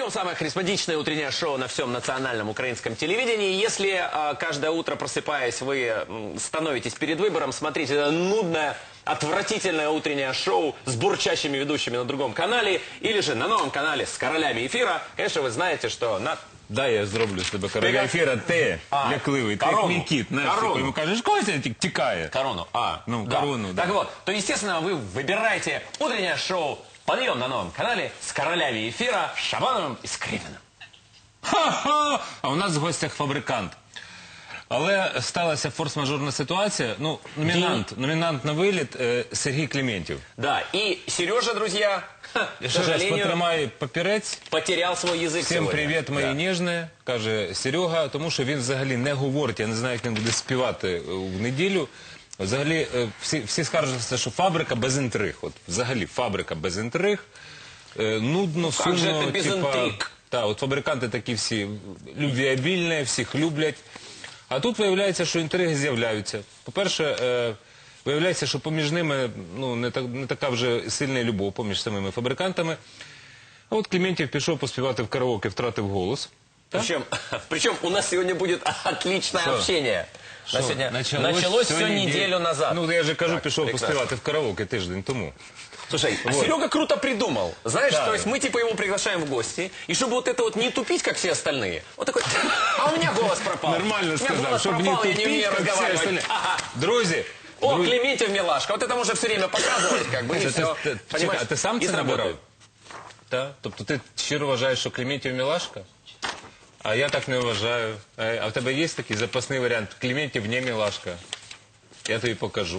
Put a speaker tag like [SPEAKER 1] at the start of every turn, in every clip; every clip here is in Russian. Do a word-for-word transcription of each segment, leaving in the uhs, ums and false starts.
[SPEAKER 1] Днем самое харизматичное утреннее шоу на всем национальном украинском телевидении. Если э, каждое утро, просыпаясь, вы э, становитесь перед выбором смотреть это нудное, отвратительное утреннее шоу с бурчащими ведущими на другом канале или же на новом канале с королями эфира, конечно, вы знаете, что на...
[SPEAKER 2] Да, я зроблю з тебе короля ефіра, ти
[SPEAKER 1] А,
[SPEAKER 2] лякливий, ти
[SPEAKER 1] корону.
[SPEAKER 2] як мій кіт, знаєш,
[SPEAKER 1] Корону.
[SPEAKER 2] такий, йому кажеш, когось тікає.
[SPEAKER 1] Корону. А,
[SPEAKER 2] Ну,
[SPEAKER 1] да.
[SPEAKER 2] корону, да.
[SPEAKER 1] Так вот, то, естественно, вы выбираете утреннее шоу «Подъем» на новом канале с королями эфира Шабановым и Скрипиным.
[SPEAKER 2] Ха-ха! А у нас в гостях фабрикант. Але сталася форс-мажорна ситуація. Ну, номінант, номінант на виліт е, Сергій Клементьєв.
[SPEAKER 1] Да, и Сережа, друзья, ха, к
[SPEAKER 2] Я ще раз
[SPEAKER 1] сожалению,
[SPEAKER 2] потримаю папірець.
[SPEAKER 1] потерял свой язык
[SPEAKER 2] Всім
[SPEAKER 1] сегодня.
[SPEAKER 2] привіт, мої
[SPEAKER 1] Да.
[SPEAKER 2] ніжне, каже Серега, тому що він взагалі не говорить, я не знаю, як він буде співати е, в неділю. Взагалі, е, всі, всі скаржаться, що фабрика без інтриг. От, взагалі, фабрика без інтриг. Е, нудно,
[SPEAKER 1] как же
[SPEAKER 2] сумно.
[SPEAKER 1] это без интриг?
[SPEAKER 2] Та, от фабриканти такі всі любвіабільні, всіх люблять. А тут виявляється, що інтриги з'являються. По-перше, е, виявляється, що поміж ними ну, не, так, не така вже сильна любов поміж самими фабрикантами. А от Клементьєв пішов поспівати в караоке, втратив голос.
[SPEAKER 1] Причем, причем у нас сегодня будет отличное
[SPEAKER 2] Что?
[SPEAKER 1] общение.
[SPEAKER 2] Що,
[SPEAKER 1] На сегодня
[SPEAKER 2] началось,
[SPEAKER 1] началось все
[SPEAKER 2] сьогодні
[SPEAKER 1] неделю назад.
[SPEAKER 2] Ну, я же кажу,
[SPEAKER 1] Так,
[SPEAKER 2] пішов
[SPEAKER 1] прекрасно.
[SPEAKER 2] поспівати в караоке тиждень тому.
[SPEAKER 1] Слушай, а
[SPEAKER 2] Вот.
[SPEAKER 1] Серега круто придумал. Знаешь,
[SPEAKER 2] Да.
[SPEAKER 1] то есть мы типа его приглашаем в гости, и чтобы вот это вот не тупить, как все остальные, вот такой, а у меня голос пропал.
[SPEAKER 2] Нормально
[SPEAKER 1] у меня
[SPEAKER 2] сказав,
[SPEAKER 1] голос
[SPEAKER 2] щоб не
[SPEAKER 1] пропал, я не
[SPEAKER 2] тупіть,
[SPEAKER 1] умею
[SPEAKER 2] як всі
[SPEAKER 1] разговаривать.
[SPEAKER 2] остальні.
[SPEAKER 1] Ага.
[SPEAKER 2] Друзі,
[SPEAKER 1] О,
[SPEAKER 2] друзі,
[SPEAKER 1] Клементьев милашка, вот это можно все время показывать, как бы, и
[SPEAKER 2] Це
[SPEAKER 1] все.
[SPEAKER 2] ти- ти- чекай, а ти сам це набирав? Так? Тобто ти щиро вважаєш, що Клементьєв мілашка? А я так не вважаю. Е, А в тебе є такий запасний варіант? Клементьєв не мілашка. Я тобі покажу.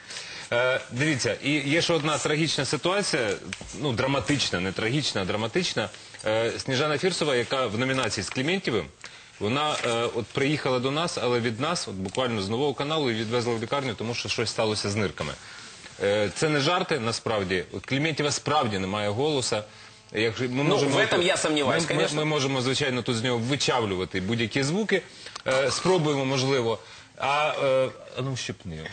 [SPEAKER 2] Е, дивіться, і є ще одна трагічна ситуація, ну, драматична, не трагічна, а драматична. Е, Сніжана Фірсова, яка в номінації з Клементьєвим, вона е, от приїхала до нас, але від нас, от буквально з нового каналу, і відвезла в лікарню, тому що щось сталося з нирками. Е, це не жарти, насправді. От Клементьєва справді немає голоса. Як, ми
[SPEAKER 1] Ну, в этом я сомневаюсь,
[SPEAKER 2] ми,
[SPEAKER 1] конечно.
[SPEAKER 2] Ми, ми можемо, звичайно, тут з нього вичавлювати будь-які звуки. Е, спробуємо, можливо. А, е, а ну, щепни його.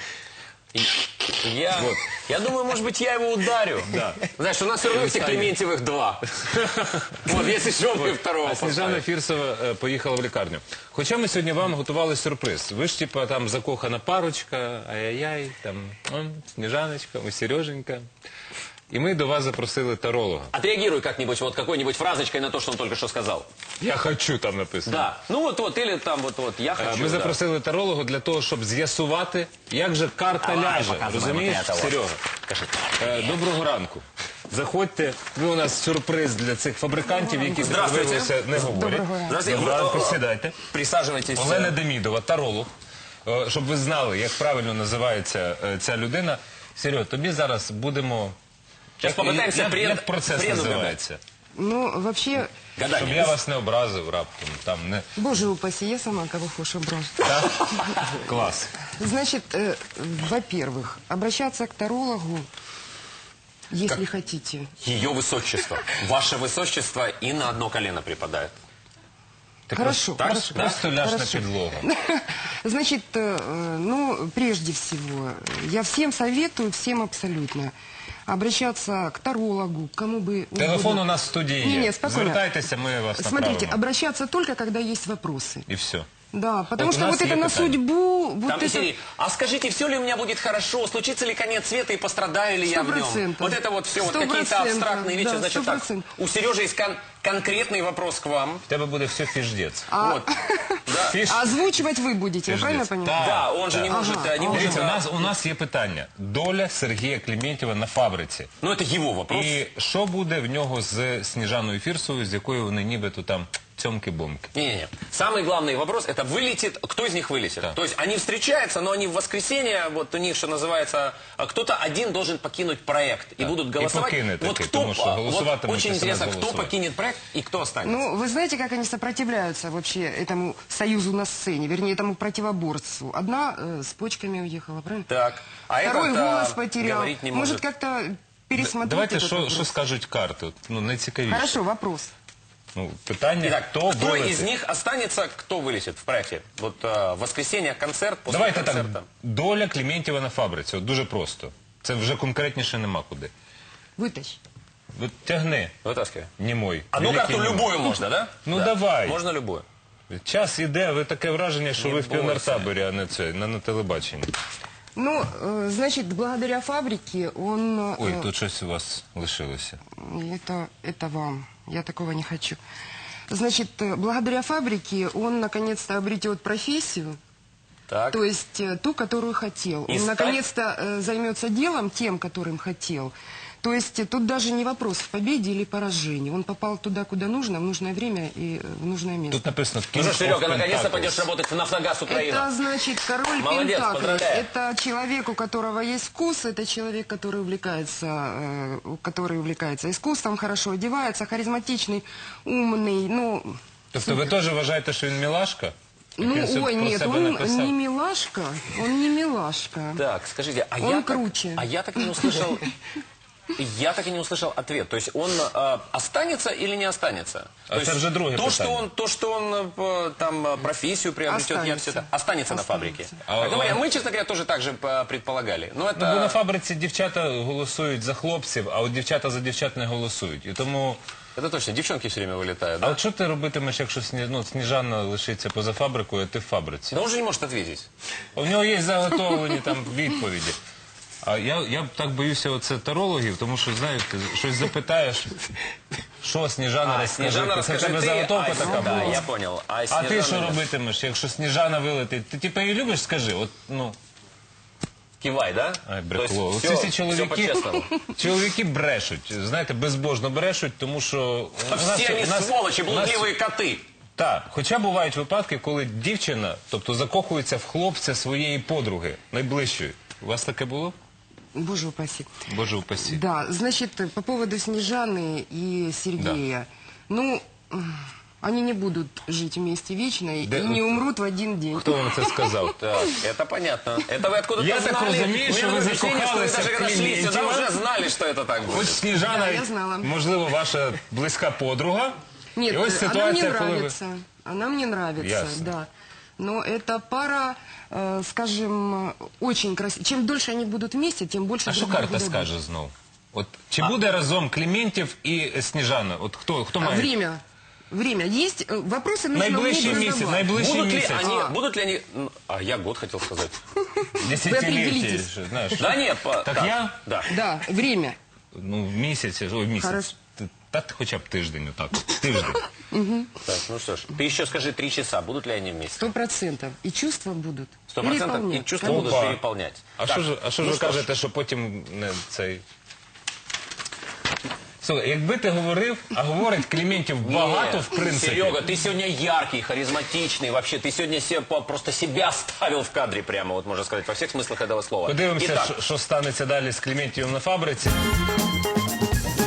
[SPEAKER 1] Я,
[SPEAKER 2] Вот.
[SPEAKER 1] я думаю, может быть, я его ударю.
[SPEAKER 2] Да.
[SPEAKER 1] Знаешь, у нас все равно всех
[SPEAKER 2] Встанет.
[SPEAKER 1] Клементьевых два. Вот, если что, мы второго
[SPEAKER 2] А Сніжана
[SPEAKER 1] поставим.
[SPEAKER 2] Фірсова е, поїхала в лікарню. Хоча ми сьогодні вам готували сюрприз. Ви ж, типа, там закохана парочка, ай-яй-яй, там, м, Сніжаночка, ой, Сереженька. І ми до вас запросили таролога.
[SPEAKER 1] Отреагируй как-нибудь, вот какой-нибудь фразочкой на то, что он только что сказал.
[SPEAKER 2] Я хочу, там написано.
[SPEAKER 1] Да. Ну вот, вот, или там вот, вот, я
[SPEAKER 2] Е,
[SPEAKER 1] хочу.
[SPEAKER 2] Ми
[SPEAKER 1] да.
[SPEAKER 2] запросили таролога для того, щоб з'ясувати, як же карта
[SPEAKER 1] Давай,
[SPEAKER 2] ляже.
[SPEAKER 1] показуй
[SPEAKER 2] Розумієш,
[SPEAKER 1] нам этого.
[SPEAKER 2] Серега?
[SPEAKER 1] Скажи.
[SPEAKER 2] Е, Доброго ранку. Заходьте. Ви у нас сюрприз для цих фабрикантів, які
[SPEAKER 1] Здравствуйте.
[SPEAKER 2] виявилося не говорять.
[SPEAKER 1] Здравствуйте.
[SPEAKER 2] Доброго ранку,
[SPEAKER 1] О, о, о.
[SPEAKER 2] сідайте.
[SPEAKER 1] Присаживайтесь.
[SPEAKER 2] Олена Демідова, таролог. Е, Щоб ви знали, як правильно називається е, ця людина. Серьо, тобі зараз будемо...
[SPEAKER 1] Сейчас
[SPEAKER 2] Як-
[SPEAKER 1] попытаемся
[SPEAKER 2] як,
[SPEAKER 1] бред,
[SPEAKER 2] як процес
[SPEAKER 1] бред угадать.
[SPEAKER 2] називається?
[SPEAKER 3] Ну, вообще,
[SPEAKER 2] Щоб
[SPEAKER 1] Гадание.
[SPEAKER 2] я вас не образив раптом. Там, не...
[SPEAKER 3] боже упаси, я сама кого хочешь образ.
[SPEAKER 2] Так? Клас.
[SPEAKER 3] Значит, э, во-первых, обращаться к тарологу, если хотите.
[SPEAKER 1] Ее высочество. Ваше высочество и на одно колено припадает.
[SPEAKER 2] Ти
[SPEAKER 3] Хорошо,
[SPEAKER 2] просто,
[SPEAKER 3] хорошо.
[SPEAKER 2] просто ляж на
[SPEAKER 3] Хорошо.
[SPEAKER 2] підлогу.
[SPEAKER 3] Значит, э, ну, прежде всего, я всем советую, всем абсолютно, обращаться к тарологу, к кому бы
[SPEAKER 2] Телефон
[SPEAKER 3] угодно.
[SPEAKER 2] у нас в студії
[SPEAKER 3] Не,
[SPEAKER 2] є.
[SPEAKER 3] не, спокойно.
[SPEAKER 2] Звертайтеся, ми вас
[SPEAKER 3] Смотрите,
[SPEAKER 2] направимо.
[SPEAKER 3] обращаться только, когда есть вопросы.
[SPEAKER 2] І все.
[SPEAKER 3] Да, потому
[SPEAKER 2] Вот у
[SPEAKER 3] что
[SPEAKER 2] нас
[SPEAKER 3] вот это
[SPEAKER 2] есть
[SPEAKER 3] на
[SPEAKER 2] питание.
[SPEAKER 3] судьбу, вот
[SPEAKER 1] Там
[SPEAKER 3] это...
[SPEAKER 1] из серии, а скажите, все ли у меня будет хорошо, случится ли конец света и пострадаю ли я
[SPEAKER 3] Сто
[SPEAKER 1] в нем?
[SPEAKER 3] процентов.
[SPEAKER 1] Вот это вот все, вот
[SPEAKER 3] Сто
[SPEAKER 1] какие-то
[SPEAKER 3] процентов,
[SPEAKER 1] абстрактные вещи.
[SPEAKER 3] да,
[SPEAKER 1] Значит
[SPEAKER 3] сто
[SPEAKER 1] так,
[SPEAKER 3] процентов.
[SPEAKER 1] у Сережи есть кон- конкретный вопрос к вам.
[SPEAKER 2] В тебе буде все фіждець.
[SPEAKER 3] А-
[SPEAKER 1] Вот. Да.
[SPEAKER 2] Фіж...
[SPEAKER 3] Озвучивать вы будете, я правильно
[SPEAKER 2] Пиздец.
[SPEAKER 3] понимаю?
[SPEAKER 1] Да, он же не
[SPEAKER 3] Ага.
[SPEAKER 1] может, э, не может.
[SPEAKER 2] Дивіться, у
[SPEAKER 1] э,
[SPEAKER 2] нас, у нас є питання. Доля Сергія Клементьєва на фабриці.
[SPEAKER 1] Ну, это его вопрос.
[SPEAKER 2] І що буде в нього з Сніжаною Фірсовою, з якою вони нібито там цьомки-бомки?
[SPEAKER 1] Не-не-не. Самый главный вопрос, это вылетит, кто из них вылетит.
[SPEAKER 2] Да.
[SPEAKER 1] То есть они встречаются, но они в воскресенье, вот у них, что называется, а, кто-то один должен покинуть проект. И
[SPEAKER 2] Да.
[SPEAKER 1] будут
[SPEAKER 2] И
[SPEAKER 1] голосовать.
[SPEAKER 2] покинет
[SPEAKER 1] Вот
[SPEAKER 2] таки,
[SPEAKER 1] кто,
[SPEAKER 2] потому что
[SPEAKER 1] а, вот
[SPEAKER 2] голосовать-то
[SPEAKER 1] очень
[SPEAKER 2] мы
[SPEAKER 1] интересно,
[SPEAKER 2] смс
[SPEAKER 1] кто
[SPEAKER 2] голосовать.
[SPEAKER 1] покинет проект и кто останется.
[SPEAKER 3] Ну, вы знаете, как они сопротивляются вообще этому союзу на сцене, вернее, этому противоборству. Одна э, с почками уехала, правильно?
[SPEAKER 1] Так. А
[SPEAKER 3] Второй
[SPEAKER 1] этот, а,
[SPEAKER 3] голос потерял.
[SPEAKER 1] говорить не
[SPEAKER 3] может,
[SPEAKER 1] может.
[SPEAKER 3] как-то пересмотреть
[SPEAKER 2] Давайте,
[SPEAKER 3] этот
[SPEAKER 2] що,
[SPEAKER 3] вопрос?
[SPEAKER 2] що скажуть карти? От, ну, найцікавіше.
[SPEAKER 3] Хорошо, вопрос.
[SPEAKER 2] Ну, питання,
[SPEAKER 1] Итак,
[SPEAKER 2] хто
[SPEAKER 1] кто
[SPEAKER 2] вилетить?
[SPEAKER 1] из них останется, кто вылетит в проекте? Вот а, в воскресенье концерт, после
[SPEAKER 2] Давайте так,
[SPEAKER 1] концерта.
[SPEAKER 2] доля Клементьєва на фабриці. От дуже просто. Це вже конкретніше нема куди.
[SPEAKER 3] Вытащи.
[SPEAKER 2] Вот тягни,
[SPEAKER 1] Вытаскивай.
[SPEAKER 2] не мой.
[SPEAKER 1] Одну
[SPEAKER 2] Великий
[SPEAKER 1] карту
[SPEAKER 2] не мой.
[SPEAKER 1] любую можно, да?
[SPEAKER 2] Ну,
[SPEAKER 1] Да.
[SPEAKER 2] давай.
[SPEAKER 1] Можно любую.
[SPEAKER 2] Час іде, ви таке враження, що
[SPEAKER 1] Не
[SPEAKER 2] ви в
[SPEAKER 1] бойся.
[SPEAKER 2] піонертаборі, а не це, на, на телебаченні.
[SPEAKER 3] Ну, э, значит, благодаря фабрике он... э,
[SPEAKER 2] Ой, тут щось у вас лишилося.
[SPEAKER 3] Это, это вам. Я такого не хочу. Значит, э, благодаря фабрике он наконец-то обретет профессию,
[SPEAKER 1] Так.
[SPEAKER 3] то есть э, ту, которую хотел.
[SPEAKER 1] И
[SPEAKER 3] Он
[SPEAKER 1] стать-
[SPEAKER 3] наконец-то э, займется делом тем, которым хотел. То есть э, тут даже не вопрос в победе или поражении. Он попал туда, куда нужно, в нужное время и э, в нужное место.
[SPEAKER 2] Тут написано
[SPEAKER 1] Ну
[SPEAKER 2] King
[SPEAKER 1] что,
[SPEAKER 2] of
[SPEAKER 1] Серега, наконец-то
[SPEAKER 2] Pentacles.
[SPEAKER 1] пойдешь работать в «Нафтогаз Украина».
[SPEAKER 3] Это значит король
[SPEAKER 1] Молодец,
[SPEAKER 3] Пентаклей.
[SPEAKER 1] поздравляю.
[SPEAKER 3] Это человек, у которого есть вкус, это человек, который увлекается, э, который увлекается искусством, хорошо одевается, харизматичный, умный. Ну,
[SPEAKER 2] Тобто ви теж вважаєте, що він мілашка? Як
[SPEAKER 3] ну
[SPEAKER 2] він це
[SPEAKER 3] ой,
[SPEAKER 2] про
[SPEAKER 3] нет,
[SPEAKER 2] себе
[SPEAKER 3] он
[SPEAKER 2] написав?
[SPEAKER 3] не милашка, он не милашка.
[SPEAKER 1] Так, скажите, а
[SPEAKER 3] Он
[SPEAKER 1] я
[SPEAKER 3] круче.
[SPEAKER 1] Так, а я так и не услышал... Я так и не услышал ответ. То есть он э, останется или не останется?
[SPEAKER 2] А
[SPEAKER 1] То
[SPEAKER 2] это
[SPEAKER 1] есть
[SPEAKER 2] же другое
[SPEAKER 1] то, что
[SPEAKER 2] питание.
[SPEAKER 1] он, то, что он э, там э, профессию приобретет, я
[SPEAKER 3] Останется.
[SPEAKER 1] все это останется, на
[SPEAKER 3] Останется.
[SPEAKER 1] фабрике.
[SPEAKER 2] А-
[SPEAKER 1] Так, ну,
[SPEAKER 2] а-
[SPEAKER 1] мы, честно говоря, тоже так же э, предполагали. Но это...
[SPEAKER 2] Ну, бо на фабриці дівчата голосують за хлопців, а от дівчата за дівчат не голосують. І тому...
[SPEAKER 1] Это точно, девчонки все время вылетают,
[SPEAKER 2] А
[SPEAKER 1] да?
[SPEAKER 2] от що ти робитимеш, якщо Сні- ну, Сніжана лишиться поза фабрикою, а ти в фабриці?
[SPEAKER 1] Да он же не может ответить.
[SPEAKER 2] У нього є заготовлені там відповіді. А я, я так боюся оце тарологів, тому що, знаєте, щось запитаєш, що Сніжана
[SPEAKER 1] А,
[SPEAKER 2] розкажи.
[SPEAKER 1] Снежана,
[SPEAKER 2] Це в
[SPEAKER 1] расскажи
[SPEAKER 2] тебе
[SPEAKER 1] ты.
[SPEAKER 2] заготовка
[SPEAKER 1] а,
[SPEAKER 2] така
[SPEAKER 1] да,
[SPEAKER 2] була.
[SPEAKER 1] я понял. А,
[SPEAKER 2] А
[SPEAKER 1] Снежана
[SPEAKER 2] ти що
[SPEAKER 1] нет.
[SPEAKER 2] робитимеш, якщо Сніжана вилетить? Ти типу її любиш, скажи? От, ну,
[SPEAKER 1] Кивай, да?
[SPEAKER 2] ай,
[SPEAKER 1] То
[SPEAKER 2] брекло.
[SPEAKER 1] есть
[SPEAKER 2] Оці
[SPEAKER 1] всё-
[SPEAKER 2] всі
[SPEAKER 1] всё
[SPEAKER 2] чоловіки,
[SPEAKER 1] по-честному.
[SPEAKER 2] чоловіки брешуть, знаєте, безбожно брешуть, тому що... у нас-
[SPEAKER 1] Все они
[SPEAKER 2] у нас-
[SPEAKER 1] сволочи,
[SPEAKER 2] у нас-
[SPEAKER 1] блудливые коты.
[SPEAKER 2] Так, хоча бувають випадки, коли дівчина, тобто закохується в хлопця своєї подруги, найближчої. У вас таке було?
[SPEAKER 3] Боже упаси.
[SPEAKER 2] Боже упаси.
[SPEAKER 3] Да, значит, по поводу Снежаны и Сергея. Ну, м, они не будут жить вместе вечно и
[SPEAKER 2] Да,
[SPEAKER 3] не умрут в один день.
[SPEAKER 2] Хто вам це сказав?
[SPEAKER 1] Так, это понятно. Это вы откуда-то
[SPEAKER 2] Я так
[SPEAKER 1] знали.
[SPEAKER 2] розумію,
[SPEAKER 1] У
[SPEAKER 2] що
[SPEAKER 1] меня
[SPEAKER 2] ви
[SPEAKER 1] такое впечатление, что вы
[SPEAKER 2] закохалися
[SPEAKER 1] даже
[SPEAKER 2] в
[SPEAKER 1] когда шли сюда,
[SPEAKER 2] Клементьєва.
[SPEAKER 1] уже знали, что это так
[SPEAKER 2] Хоч
[SPEAKER 1] будет.
[SPEAKER 2] Сніжана,
[SPEAKER 3] Да, я знала.
[SPEAKER 2] можливо, ваша близька подруга.
[SPEAKER 3] Нет,
[SPEAKER 2] І ось
[SPEAKER 3] она мне
[SPEAKER 2] ситуація, коли ви...
[SPEAKER 3] нравится. Она мне нравится,
[SPEAKER 2] Ясно.
[SPEAKER 3] да. Но это пара, э, скажем, очень красивая. Чем дольше они будут вместе, тем больше
[SPEAKER 2] А що
[SPEAKER 3] друг другу
[SPEAKER 2] карта
[SPEAKER 3] дадут.
[SPEAKER 2] скаже знов? От, чи буде разом Клементьєв і Сніжана? От хто, хто
[SPEAKER 3] А
[SPEAKER 2] має?
[SPEAKER 3] время. Время есть. Э, Вопросы нужно
[SPEAKER 2] Найближчий
[SPEAKER 3] уметь
[SPEAKER 2] місяць,
[SPEAKER 3] задавать.
[SPEAKER 2] найближчий
[SPEAKER 1] Будут ли
[SPEAKER 2] місяць.
[SPEAKER 1] они,
[SPEAKER 3] А.
[SPEAKER 1] будут ли они... ну, А я год хотел сказать.
[SPEAKER 2] Десятиліття,
[SPEAKER 3] определитесь.
[SPEAKER 2] що, знаєш.
[SPEAKER 1] Да нет, по-
[SPEAKER 2] Так я?
[SPEAKER 1] Да.
[SPEAKER 3] Да, время.
[SPEAKER 2] Ну, місяць, ой, місяць.
[SPEAKER 3] Хорошо.
[SPEAKER 2] Т- Та хоча б тиждень, отак. Тиждень.
[SPEAKER 1] Так, ну что ж, ты еще скажи три часа, будут ли они вместе?
[SPEAKER 3] Сто процентов. И чувства будут.
[SPEAKER 1] Сто процентов. И
[SPEAKER 3] Переполнять.
[SPEAKER 1] чувства
[SPEAKER 3] Конечно.
[SPEAKER 1] будут
[SPEAKER 2] Опа.
[SPEAKER 1] переполнять.
[SPEAKER 2] А
[SPEAKER 1] Так,
[SPEAKER 2] що ж, а що ж
[SPEAKER 1] ну
[SPEAKER 2] ви
[SPEAKER 1] что ж.
[SPEAKER 2] кажете, що потім не цей... Слухай, якби ти говорив, а говорить Клементьєв багато,
[SPEAKER 1] Нет,
[SPEAKER 2] в принципі.
[SPEAKER 1] Серега, ты сегодня яркий, харизматичный, вообще, ты сегодня се- по- просто себя ставил в кадре прямо, вот можно сказать, во всех смыслах этого слова.
[SPEAKER 2] Подивимося,
[SPEAKER 1] Итак,
[SPEAKER 2] що, що станеться далі з Клементьєвим на фабриці.